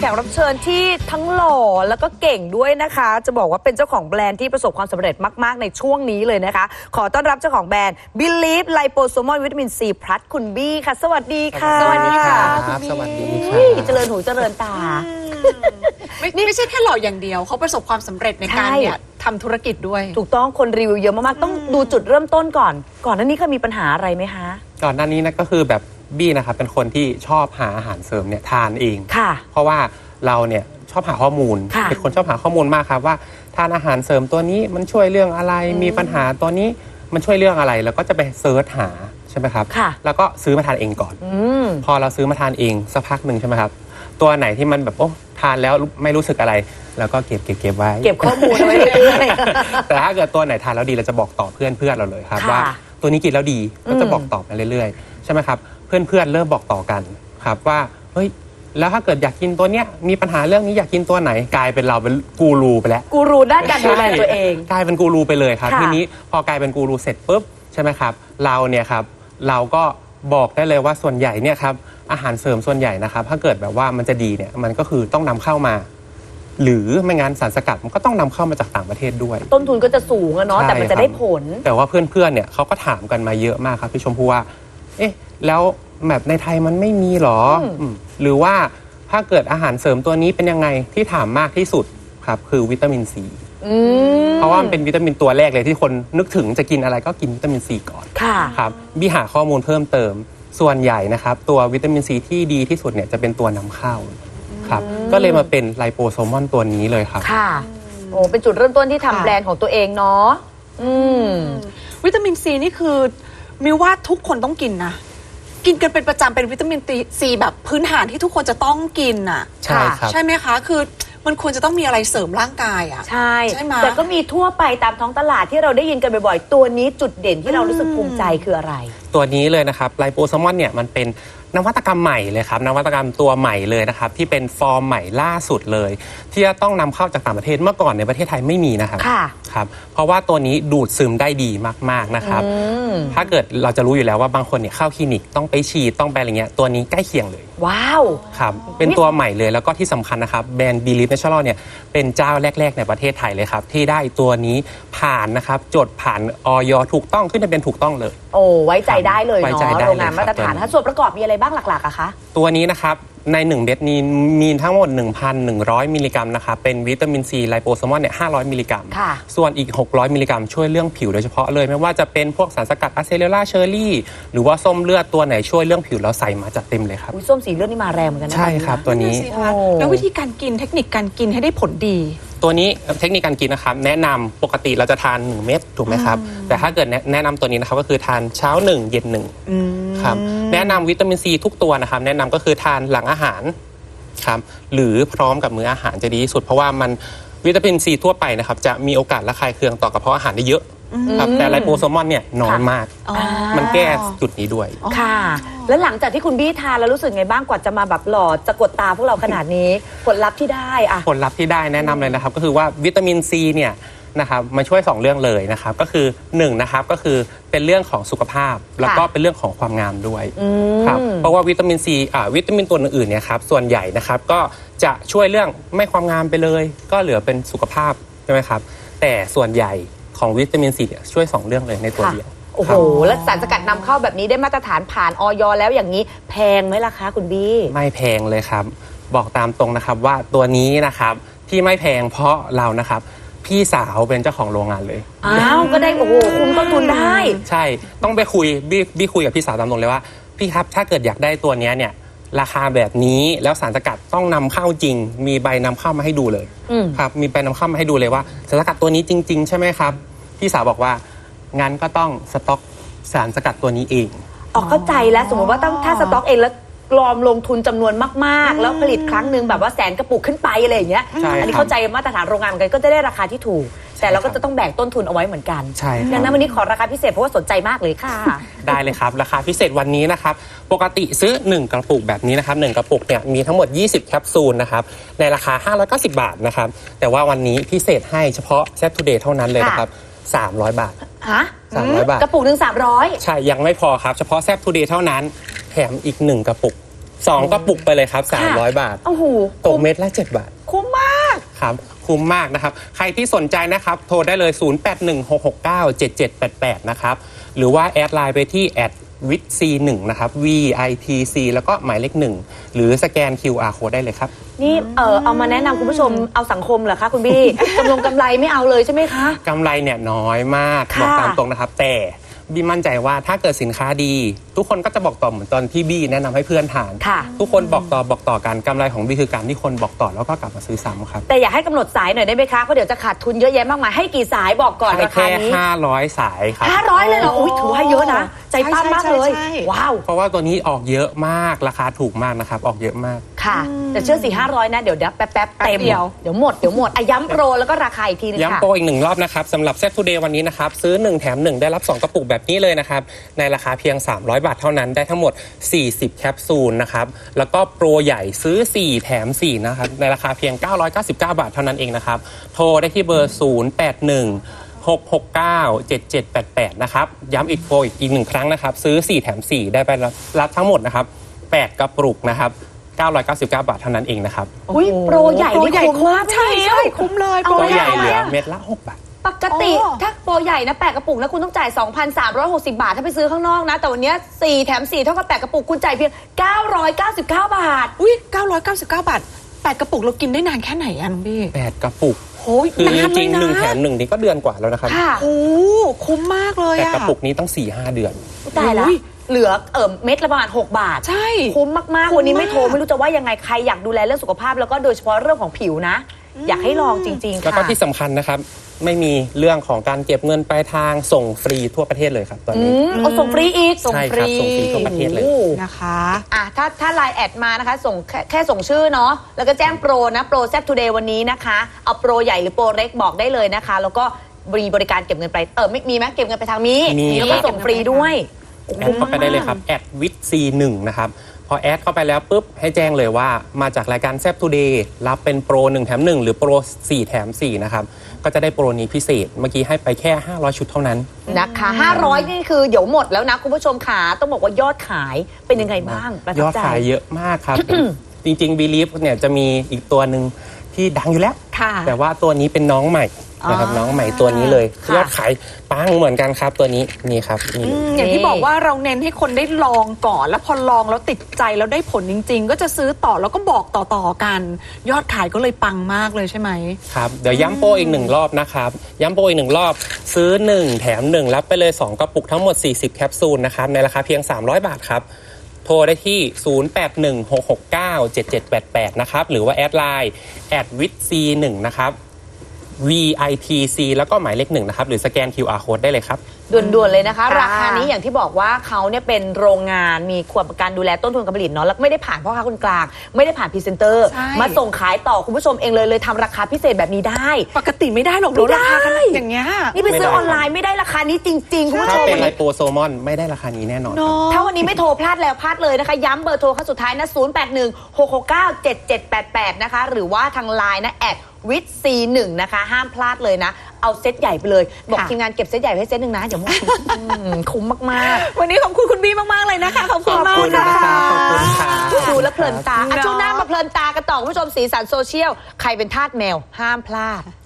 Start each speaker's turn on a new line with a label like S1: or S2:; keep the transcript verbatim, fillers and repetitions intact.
S1: กรับเชิญที่ทั้งหล่อแล้วก็เก่งด้วยนะคะจะบอกว่าเป็นเจ้าของแบรนด์ที่ประสบความสำเร็จมากๆในช่วงนี้เลยนะคะขอต้อนรับเจ้าของแบรนด์ Believe Liposomal Vitamin C Plus คุณบี้ค่ะสวัสดีค่ะ
S2: สวัสดีค่ะสวัสดีค่ะ
S1: เจริญหูเจริญตา
S2: นี่ไม่ใช่แค่หล่ออย่างเดียวเขาประสบความสำเร็จในการเนี่ยทำธุรกิจด้วย
S1: ถูกต้องคนรีวิวเยอะมากๆต้องดูจุดเริ่มต้นก่อนก่อนหน้านี้เคยมีปัญหาอะไรไหมคะ
S3: ก่อนหน้านี้นะก็คือแบบบี้นะครับเป็นคนที่ชอบหาอาหารเสริมเนี่ยทานเอง
S1: ค่ะ
S3: เพราะว่าเราเนี่ยชอบหาข้อมูลเป็นคนชอบหาข้อมูลมากครับว่าทานอาหารเสริมตัวนี้มันช่วยเรื่องอะไรมีปัญหาตัวนี้มันช่วยเรื่องอะไรแล้วก็จะไปเซิร์ชหาใช่ไหมครับแล้วก็ซื้อมาทานเองก่อนพอเราซื้อมาทานเองสักพักหนึ่งใช่ไหมครับตัวไหนที่มันแบบโอ้ทานแล้วไม่รู้สึกอะไรแล้วก็เก็บเก็บเก็บไว้
S1: เก็บข้อมูลไว้เรื่อย
S3: ๆแต่ถ้าเกิดตัวไหนทานแล้วดีเราจะบอกต่อเพื่อนเพื่อนเราเลยครับว่าตัวนี้กินแล้วดีก็จะบอกต่อไปเรื่อยๆใช่ไหมครับเพื่อนเพื่อนเริ่มบอกต่อกันครับว่าเฮ้ยแล้วถ้าเกิดอยากกินตัวเนี้ยมีปัญหาเรื่องนี้อยากกินตัวไหนกลายเป็นเราเป็นกูรูไปแล้ว
S1: กูรูด้านการดูแลตัวเอง
S3: กลายเป็นกูรูไปเลยครับทีนี้พอกลายเป็นกูรูเสร็จปุ๊บใช่ไหมครับเราเนี่ยครับเราก็บอกได้เลยว่าส่วนใหญ่เนี่ยครับอาหารเสริมส่วนใหญ่นะครับถ้าเกิดแบบว่ามันจะดีเนี่ยมันก็คือต้องนำเข้ามาหรือไม่งั้นสารสกัดมันก็ต้องนำเข้ามาจากต่างประเทศด้วย
S1: ต้นทุนก็จะสูงอะเนาะแต่มันจะได้ผล
S3: แต่ว่าเพื่อนๆเนี่ยเขาก็ถามกันมาเยอะมากครับพี่ชมพู่ว่าเอ๊ะแล้วแบบในไทยมันไม่มีหรอหรือว่าถ้าเกิดอาหารเสริมตัวนี้เป็นยังไงที่ถามมากที่สุดครับคือวิตามินซีเพราะว่ามันเป็นวิตามินตัวแรกเลยที่คนนึกถึงจะกินอะไรก็กินวิตามินซีก่อนครับบี้หาข้อมูลเพิ่มเติมส่วนใหญ่นะครับตัววิตามินซีที่ดีที่สุดเนี่ยจะเป็นตัวนำเข้าครับก็เลยมาเป็นไลโปโซมอนตัวนี้เลยครับ
S1: ค่ะโอ้เป็นจุดเริ่มต้นที่ทำแบรนด์ของตัวเองเนาะ
S2: วิตามินซีนี่คือมิวว่าทุกคนต้องกินนะกินกันเป็นประจำเป็นวิตามินซีแบบพื้นฐานที่ทุกคนจะต้องกินอ่ะ
S3: ใช่ครับ
S2: ใช่ไหมคะคือมันควรจะต้องมีอะไรเสริมร่างกายอ่ะ
S1: ใช่ใช่ไหมแต่ก็มีทั่วไปตามท้องตลาดที่เราได้ยินกันบ่อยๆตัวนี้จุดเด่นที่เรารู้สึกภูมิใจคืออะไร
S3: ตัวนี้เลยนะครับไลโปโซมอนเนี่ยมันเป็นนวัตกรรมใหม่เลยครับนวัตกรรมตัวใหม่เลยนะครับที่เป็นฟอร์มใหม่ล่าสุดเลยที่จะต้องนำเข้าจากต่างประเทศเมื่อก่อนในประเทศไทยไม่มีนะครับครับเพราะว่าตัวนี้ดูดซึมได้ดีมากๆนะครับถ้าเกิดเราจะรู้อยู่แล้วว่าบางคนเนี่ยเข้าคลินิกต้องไปฉีดต้องไปอะไรเงี้ยตัวนี้ใกล้เคียงเลย
S1: ว้าว
S3: ครับเป็นตัวใหม่เลยแล้วก็ที่สำคัญนะครับแบรนด์ Believe Natural เนี่ยเป็นเจ้าแรกๆในประเทศไทยเลยครับที่ได้ตัวนี้ผ่านนะครับจดผ่านอย.ถูกต้องขึ้นทะเบียนถูกต้องเลย
S1: โอ้ไว้ใจได้เลยเนาะโรงงานมาตรฐานถ้าส่วนประกอบมีอะไรบ้างหลักๆอะคะ
S3: ตัวนี้นะครับในหนึ่งเม็ดนี้มีทั้งหมด หนึ่งพันหนึ่งร้อย มิลลิกรัมนะครับเป็นวิตามินซีไลโปโซมอนเนี่ยห้าร้อยมิลลิกรัมส่วนอีกหกร้อยมิลลิกรัมช่วยเรื่องผิวโดยเฉพาะเลยไม่ว่าจะเป็นพวกสารสกัดอะเซเลล่าเชอร์รี่หรือว่าส้มเลือดตัวไหนช่วยเรื่องผิวแล้วใส่มาจัดเต็มเลยครับ
S1: ส้มสีเลือดนี่มาแรงเหมือนกันนะ
S3: ใช่ครับตัวนี้
S2: แล้ววิธีการกินเทคนิคการกินให้ได้ผลดี
S3: ตัวนี้เทคนิคการกินนะครับแนะนำปกติเราจะทานหนึ่งเม็ดถูกไหมครับแต่ถ้าเกิดแนะนำตัวนี้นะครับก็คือทานเช้าหนึ่งเย็นหนึ่งครับแนะนำวิตามินซีทุกตัวนะครับแนะนำก็คือทานหลังอาหารครับหรือพร้อมกับมื้ออาหารจะดีที่สุดเพราะว่ามันวิตามินซีทั่วไปนะครับจะมีโอกาสระคายเคืองต่อกระเพาะอาหารได้เยอะครับแต่ไลโปโซมอนเนี่ยน้อยมากมันแก้จุดนี้ด้วย
S1: ค่ะแล้วหลังจากที่คุณบี้ทานแล้วรู้สึกไงบ้างกว่าจะมาแบบหล่อจะกดตาพวกเราขนาดนี้ผลลัพธ์ที่ได้อะ
S3: ผลลัพธ์ที่ได้แนะนำเลยนะครับก็คือว่าวิตามินซีเนี่ยนะครับมาช่วยสองเรื่องเลยนะครับก็คือหนึ่งนะครับก็คือเป็นเรื่องของสุขภาพแล้วก็เป็นเรื่องของความงามด้วยครับเพราะว่าวิตามินซีอ่าวิตามินตัวอื่นๆเนี่ยครับส่วนใหญ่นะครับก็จะช่วยเรื่องไม่ความงามไปเลยก็เหลือเป็นสุขภาพใช่ไหมครับแต่ส่วนใหญ่ของวิตามินซีเนี่ยช่วยสองเรื่องเลยในตัวเดียว
S1: โอ้โหแล้วสารสกัดนำเข้าแบบนี้ได้มาตรฐานผ่านอย.แล้วอย่างนี้แพงไหมล่ะคะคุณบี้
S3: ไม่แพงเลยครับบอกตามตรงนะครับว่าตัวนี้นะครับที่ไม่แพงเพราะเรานะครับพี่สาวเป็นเจ้าของโรงงานเลย
S1: อ้าวก็ได้โอ้โหคุ้มต้นทุนได้
S3: ใช่ต้องไปคุยบี้บี้คุยกับพี่สาวตามตรงเลยว่าพี่ครับถ้าเกิดอยากได้ตัวนี้เนี่ยราคาแบบนี้แล้วสารสกัดต้องนำเข้าจริงมีใบนำเข้ามาให้ดูเลยครับมีใบนำเข้ามาให้ดูเลยว่าสารสกัดตัวนี้จริงๆใช่ไหมครับพี่สาวบอกว่างั้นก็ต้องสต็อกสารสกัดตัวนี้เอง
S1: อ๋อเข้าใจแล้วสมมติว่าต้องถ้าสต็อกเองแล้วรอมลงทุนจำนวนมากๆแล้วผลิตครั้งหนึ่งแบบว่าแสนกระปุกขึ้นไปอะไรอย่างเงี้ยอันนี้เข้าใจมาตรฐานโรงงานเหมือนกันก็จะได้ราคาที่ถูกแต่เราก็จะต้องแบ่งต้นทุนเอาไว้เหมือนกัน
S3: ใช่
S1: ดังนั้นวันนี้ขอราคาพิเศษเพราะว่าสนใจมากเลยค่ะ
S3: ได้เลยครับราคาพิเศษวันนี้นะครับปกติซื้อหนึ่งกระปุกแบบนี้นะครับหนึ่งกระปุกเนี่ยมีทั้งหมดยี่สิบแคปซูลนะครับในราคาห้าร้อยเก้าสิบบาทนะครับแต่ว่าวันนี้พิเศษให้เฉพาะแซ่บทูเดย์เท่านั้นเลยนะครับสามร้อยบาท
S1: ฮะ
S3: สามร้อยบาท
S1: กระปุกหนึ่งสามร้อย
S3: ใช่ยังไม่พอครับเฉพาะแซ่บทูเดย์เท่านั้นแถมอีกหนึ่งกระปุกสองกระปุกไปเลยครับสามร้อยบาท
S1: โอ้โห
S3: ตกเม็ดละเจ็ดบาท
S1: คุ้มมาก
S3: ครับคุ้มมากนะครับใครที่สนใจนะครับโทรได้เลย ศูนย์ แปด หนึ่ง หก หก เก้า เจ็ด เจ็ด แปด แปด นะครับหรือว่าแอดไลน์ไปที่แอดวิทซีหนึ่งนะครับ วี ไอ ที ซี แล้วก็หมายเลขหนึ่งหรือสแกน คิว อาร์ Code ได้เลยครับ
S1: นี่เออเอามาแนะนำคุณผู้ชมเอาสังคมเหรอคะคุณบี้ กำลงกำไรไม่เอาเลยใช่ไหมคะ
S3: กำไรเนี่ยน้อยมาก
S1: ค่ะ
S3: บอกตามตรงนะครับ แต่บี้มั่นใจว่าถ้าเกิดสินค้าดี ทุกคนก็จะบอกต่อเหมือนตอนที่บี้แนะนำให้เพื่อนทาน
S1: ค่ะ
S3: ทุกคนบอกต่อบอกต่อกันกำไรของบี้คือการที่คนบอกต่อแล้วก็กลับมาซื้อซ้ำครับ
S1: แต่อยากให้กำหนดสายหน่อยได้ไหมคะเพราะเดี๋ยวจะขาดทุนเยอะแยะมากมายให้กี่สายบอกก่อน
S3: ให้
S1: ราคา
S3: แค่
S1: นี้
S3: ห้าร้อยสายครับ
S1: ห้าร้อยเลยเหรออุ้ยถือว่าเยอะนะใจปั้มมากเลย
S2: ใช่ใช่ใช่
S1: ว้าว
S3: เพราะว่าตัวนี้ออกเยอะมากราคาถูกมากนะครับออกเยอะมาก
S1: ค่ะ แต่เชื่อสี่ห้าร้อยนะเดี๋ยวเดี๋ยวแป๊บแป๊บๆเต็ม
S2: แป๊บเดียว
S1: เดี๋ยวหมดเดี๋ยวหมดอ่ะย้ำโปรแล้วก็ราคาอีกทีนึงค่ะ
S3: ย้ำโปรอีกหนึ่งรอบนะครับสำหรับเซตทูเดย์วันนี้นะครับซื้อหนึ่งแถมหนึ่งได้รับสองกระปุกแบบนี้เลยนะครับในราคาเพียงสามร้อยบาทเท่านั้นได้ทั้งหมดสี่สิบแคปซูลนะครับแล้วก็โปรใหญ่ซื้อสี่แถมสี่นะครับในราคาเพียงเก้าร้อยเก้าสิบเก้าบาทเท่านั้นเองนะครับโทรได้ที่เบอร์ศูนย์ แปด หนึ่ง หก หก เก้า เจ็ด เจ็ด แปด แปดนะครับย้ำอีกโปรอีกอีกหนึ่งครั้งนะครับซื้อสี่แถมสี่ได้ไปรับรับทั้งหมดนะครับแปดกระปุกนะครับเก้าร้อยเก้าสิบเก้าบาทเท่านั้นเองนะครับ
S1: อุ้ยโปรใหญ่
S2: โปร
S1: นี่
S2: ใหญ่
S1: คุ้มมาก
S2: ใช่ใช่คุ้มเลย
S1: เอา
S3: โปร
S1: ไว้
S3: ใหญ่
S1: เอา
S3: เห
S1: ไว้
S3: ลือ
S1: อะ
S3: เม็ดละหกบาท
S1: ปกติ
S2: อ๋อ
S1: ถ้าโปรใหญ่นะแปดกระปุกนะคุณต้องจ่าย สองพันสามร้อยหกสิบ บาทถ้าไปซื้อข้างนอกนะ แต่วันเนี้ยสี่แถมสี่เท่ากับแปดกระปุกคุณจ่ายเพียงเก้าร้อยเก้าสิบเก้าบาท
S2: อุ้ยเก้าร้อยเก้าสิบเก้าบาทแปดกระปุกเรากินได้นานแค่ไหนอะน้องบี้
S3: แปดกระปุก
S2: โอ้ย
S3: คือจ
S2: นานเล
S3: ริ
S2: ย
S3: งๆ
S2: นะ
S3: หนึ่งแถมหนึ่งนี่ก็เดือนกว่าแล้วนะครับ
S1: ค่ะ
S2: โอ้คุ้มมากเลย
S3: แต่
S2: อะ
S3: กระปุกนี้ต้อง สี่ห้า เดือน
S1: ตายละ
S2: อุ้ย
S1: เหลือเอ่อเม็ดละประมาณหกบาท
S2: ใช่
S1: คุ้มมาก
S2: คุ้ม
S1: ๆวันนี้ไม่โทร
S2: มาก
S1: ไม่รู้จะว่ายังไงใครอยากดูแลเรื่องสุขภาพแล้วก็โดยเฉพาะเรื่องของผิวนะ อยากให้ลองจริง ๆ
S3: แล้ว
S1: ค่ะ
S3: ก็ที่สำคัญนะครับ ไม่มีเรื่องของการเก็บเงินปลายทางส่งฟรีทั่วประเทศเลยครับตอน
S1: อื
S3: นี้
S1: มเอาส่งฟรีอีก
S3: ใช่ครับส่งฟรีทั่วประเทศเลย
S1: โอ้
S2: นะคะ
S1: อ่ะถ้าถ้าไลน์แอดมานะคะส่งแค่แค่ส่งชื่อเนาะแล้วก็แจ้งโปรนะโปรแซ p ทูเดย์วันนี้นะคะเอาโปรใหญ่หรือโปรเล็กบอกได้เลยนะคะ แล้วก็มีบริการเก็บเงินไปลายเออไม่มีไหมเก็บเงินไปทางมี
S3: มี
S1: แล้วก็ส่งฟรีด้วยโอ้
S3: แอ
S1: โห
S3: ดเข้าไปได้เลยครับแอดวิทซีหนึ่งนะครับพอแอดเข้าไปแล้วปุ๊บให้แจ้งเลยว่ามาจากรายการแซ p ทูเดย์รับเป็นโปรหนึ่งแถมหนึ่งหรือโปรสี่แถมสี่นะครับก็จะได้โปรนี้พิเศษเมื่อกี้ให้ไปแค่ห้าร้อยชุดเท่านั้น
S1: นะคะห้าร้อยนี่คือเดี๋ยวหมดแล้วนะคุณผู้ชมขาต้องบอกว่ายอดขายเป็นยังไงบ้างประทั
S3: ย
S1: บ
S3: อด
S1: ใจ
S3: ขายเยอะมากครับ จริงๆ Believe เนี่ยจะมีอีกตัวหนึ่งที่ดังอยู่แล้ว
S2: ค่ะ
S3: แต่ว่าตัวนี้เป็นน้องใหม่นะครับ
S1: อ๋อ
S3: น้องใหม่ตัวนี้เลย
S1: ค่ะ
S3: ยอดขายปังเหมือนกันครับตัวนี้นี่ครับนี่
S2: อืมอย่างที่บอกว่าเราเน้นให้คนได้ลองก่อน แล้วพอลองแล้วติดใจแล้วได้ผลจริง ๆ ก็จะซื้อต่อแล้วก็บอกต่อๆกัน ยอดขายก็เลยปังมากเลยใช่ไหม
S3: ครับเดี๋ยวย้ำโปรอีกหนึ่งรอบนะครับย้ำโปรอีกหนึ่งรอบซื้อหนึ่งแถมหนึ่งรับไปเลยสองกระปุกทั้งหมดสี่สิบแคปซูลนะครับในราคาเพียงสามร้อยบาทครับโทรได้ที่ ศูนย์ แปด หนึ่ง หก หก เก้า เจ็ด เจ็ด แปด แปด นะครับหรือว่าแอดไลน์แอดวิทซีหนึ่งนะครับ วี ไอ ที ซี แล้วก็หมายเลขหนึ่งนะครับหรือสแกน คิว อาร์ Code ได้เลยครับ
S1: ด่วนๆเลยนะคะ
S2: ค่ะ
S1: ราคานี้อย่างที่บอกว่าเขาเนี่ยเป็นโรงงานมีความการดูแลต้นทุนการผลิตเนาะแล้วไม่ได้ผ่านพ่อค้าคนกลาง ไม่ได้ผ่านพรีเซนเตอร์
S2: ใช่
S1: มาส่งขายต่อคุณผู้ชมเองเลยเลยทำราคาพิเศษแบบนี้ได้
S2: ปกติไม่ได้หรอกลด
S1: ไม่ได้
S2: ราคาขนาดอย่างเงี้ย
S1: นี่ไปซื้อ
S3: ไม่ได้
S1: ออนไลน์ไม่ได้ราคานี้จริงๆคุณผู้ช
S3: ถ้าม เป็น
S1: วัน
S3: ไล
S1: นี้
S3: โปโซมอนไม่ได้ราคานี้แน่นอนครับ
S2: เนาะ
S1: ถ้าวันนี้ไม่โทรพลาดแล้วพลาดเลยนะคะ ย้ำเบอร์โทรครั้งสุดท้ายนะ ศูนย์ แปด หนึ่ง หก หก เก้า เจ็ด เจ็ด แปด แปด นะคะ หรือว่าทางไลน์นะแอดวิทซีหนึ่งนะคะ ห้ามพลาดเลยนะ เอาเซตใหญ่ไปเลย บอก
S2: ค่ะ
S1: ทีมงานเก็บเซตใหญ่ไว้ให้เซตหนึ่งนะเดี๋ยวหมดอืมคุ้มมากๆ
S2: วันนี้ขอบคุณคุณบี้มาก ๆ เลยนะคะ ขอบคุณมาก
S3: ขอบคุณนะครับขอบคุณครับ
S1: ดูแล้วเพลินตาอ่ะ
S2: เนาะ
S1: ช่วงหน้ามาเพลินตากันต่อคุณผู้ชมสีสันโซเชียล ใครเป็นทาสแมวห้ามพลาด